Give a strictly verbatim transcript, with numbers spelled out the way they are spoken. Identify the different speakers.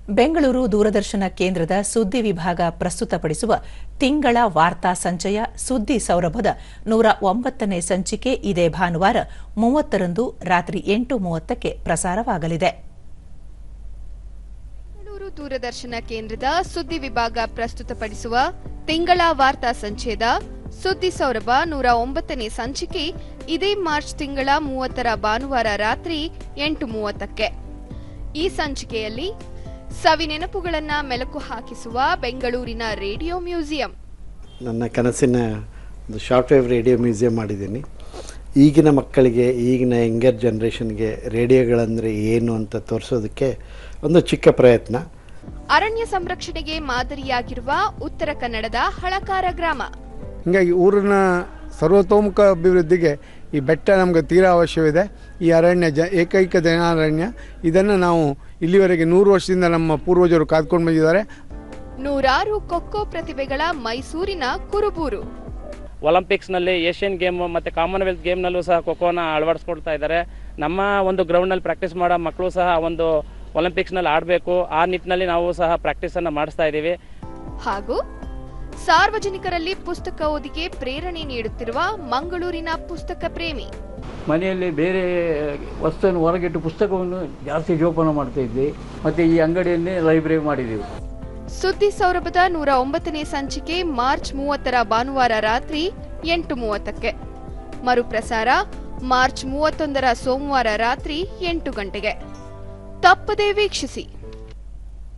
Speaker 1: ಬೆಂಗಳೂರು ದೂರದರ್ಶನ ಕೇಂದ್ರದ ಸುದ್ದಿ ವಿಭಾಗ ಪ್ರಸ್ತುತಪಡಿಸುವ ತಿಂಗಳ ವಾರ್ತಾ ಸಂಚಯ ಸುದ್ದಿ ಸೌರಭದ ನೂರ ಒಂಬತ್ತನೇ ಸಂಚಿಕೆ ಇದೇ ಭಾನುವಾರ ಮೂವತ್ತರಂದು ರಾತ್ರಿ ಎಂಟು ಮೂವತ್ತಕ್ಕೆ ಪ್ರಸಾರವಾಗಲಿದೆ.
Speaker 2: ಬೆಂಗಳೂರು ದೂರದರ್ಶನ ಕೇಂದ್ರದ ಸುದ್ದಿ ವಿಭಾಗ ಪ್ರಸ್ತುತಪಡಿಸುವ ತಿಂಗಳ ವಾರ್ತಾ ಸಂಚಯದ ಸುದ್ದಿ ಸೌರಭ ನೂರ ಒಂಬತ್ತನೇ ಸಂಚಿಕೆ ಇದೇ ಮಾರ್ಚ್ ತಿಂಗಳ ಮೂವತ್ತರ ಭಾನುವಾರ ರಾತ್ರಿ ಎಂಟು ಮೂವತ್ತಕ್ಕೆ. ಈ ಸಂಚಿಕೆಯಲ್ಲಿ ಸವಿ ನೆನಪುಗಳನ್ನ ಮೆಲುಕು ಹಾಕಿಸುವ ಬೆಂಗಳೂರಿನ ರೇಡಿಯೋ ಮ್ಯೂಸಿಯಂ.
Speaker 3: ನನ್ನ ಕನಸಿನ ಒಂದು ಶಾರ್ಟ್ ವೇವ್ ರೇಡಿಯೋ ಮ್ಯೂಸಿಯಂ ಮಾಡಿದ್ದೀನಿ. ಈಗಿನ ಮಕ್ಕಳಿಗೆ, ಈಗಿನ ಯಂಗರ್ ಜನ್ರೇಷನ್ಗೆ ರೇಡಿಯೋಗಳಂದರೆ ಏನು ಅಂತ ತೋರಿಸೋದಕ್ಕೆ ಒಂದು ಚಿಕ್ಕ ಪ್ರಯತ್ನ.
Speaker 2: ಅರಣ್ಯ ಸಂರಕ್ಷಣೆಗೆ ಮಾದರಿಯಾಗಿರುವ ಉತ್ತರ ಕನ್ನಡದ ಹಳಕಾರ ಗ್ರಾಮ.
Speaker 4: ಹೀಗಾಗಿ ಊರಿನ ಸರ್ವತೋಮುಖ ಅಭಿವೃದ್ಧಿಗೆ ಈ ಬೆಟ್ಟ ನಮಗೆ ತೀರಾ ಅವಶ್ಯವಿದೆ. ಈ ಅರಣ್ಯ ಜ ಏಕೈಕ ಜನಾರಣ್ಯ. ಇದನ್ನು ನಾವು ಇಲ್ಲಿವರೆಗೆ ನೂರು ವರ್ಷದಿಂದ ನಮ್ಮ ಪೂರ್ವಜರು ಕಾದ್ಕೊಂಡು ಬಂದಿದ್ದಾರೆ.
Speaker 2: ನೂರಾರು ಕೊಕ್ಕೋ ಪ್ರತಿಭೆಗಳ ಮೈಸೂರಿನ ಕುರುಬೂರು.
Speaker 5: ಒಲಿಂಪಿಕ್ಸ್ನಲ್ಲಿ, ಏಷ್ಯನ್ ಗೇಮ್ ಮತ್ತು ಕಾಮನ್ವೆಲ್ತ್ ಗೇಮ್ನಲ್ಲೂ ಸಹ ಖೋಖೋನ ಅಳವಡಿಸ್ಕೊಳ್ತಾ ಇದ್ದಾರೆ. ನಮ್ಮ ಒಂದು ಗ್ರೌಂಡ್ನಲ್ಲಿ ಪ್ರಾಕ್ಟೀಸ್ ಮಾಡೋ ಮಕ್ಕಳು ಸಹ ಒಂದು ಒಲಿಂಪಿಕ್ಸ್ನಲ್ಲಿ ಆಡಬೇಕು, ಆ ನಿಟ್ಟಿನಲ್ಲಿ ನಾವು ಸಹ ಪ್ರಾಕ್ಟೀಸನ್ನು ಮಾಡಿಸ್ತಾ ಇದ್ದೀವಿ.
Speaker 2: ಹಾಗೂ ಸಾರ್ವಜನಿಕರಲ್ಲಿ ಪುಸ್ತಕ ಓದಿಗೆ ಪ್ರೇರಣೆ ನೀಡುತ್ತಿರುವ ಮಂಗಳೂರಿನ ಪುಸ್ತಕ ಪ್ರೇಮಿ.
Speaker 6: ಮನೆಯಲ್ಲಿ ಬೇರೆ ವಸ್ತುವನ್ನು ಹೊರಗಿಟ್ಟು ಪುಸ್ತಕವನ್ನು ಜಾಸ್ತಿ ಜೋಪಾನ ಮಾಡ್ತಾ ಇದ್ವಿ. ಮತ್ತು ಈ ಅಂಗಡಿಯನ್ನೇ ಲೈಬ್ರರಿ ಮಾಡಿದ್ದೀವಿ.
Speaker 2: ಸುದ್ದಿ ಸೌರಭದ ನೂರ ಒಂಬತ್ತನೇ ಸಂಚಿಕೆ ಮಾರ್ಚ್ ಮೂವತ್ತರ ಭಾನುವಾರ ರಾತ್ರಿ ಎಂಟು ಮೂವತ್ತಕ್ಕೆ. ಮರುಪ್ರಸಾರ ಮಾರ್ಚ್ ಮೂವತ್ತೊಂದರ ಸೋಮವಾರ ರಾತ್ರಿ ಎಂಟು ಗಂಟೆಗೆ. ತಪ್ಪದೇ ವೀಕ್ಷಿಸಿ.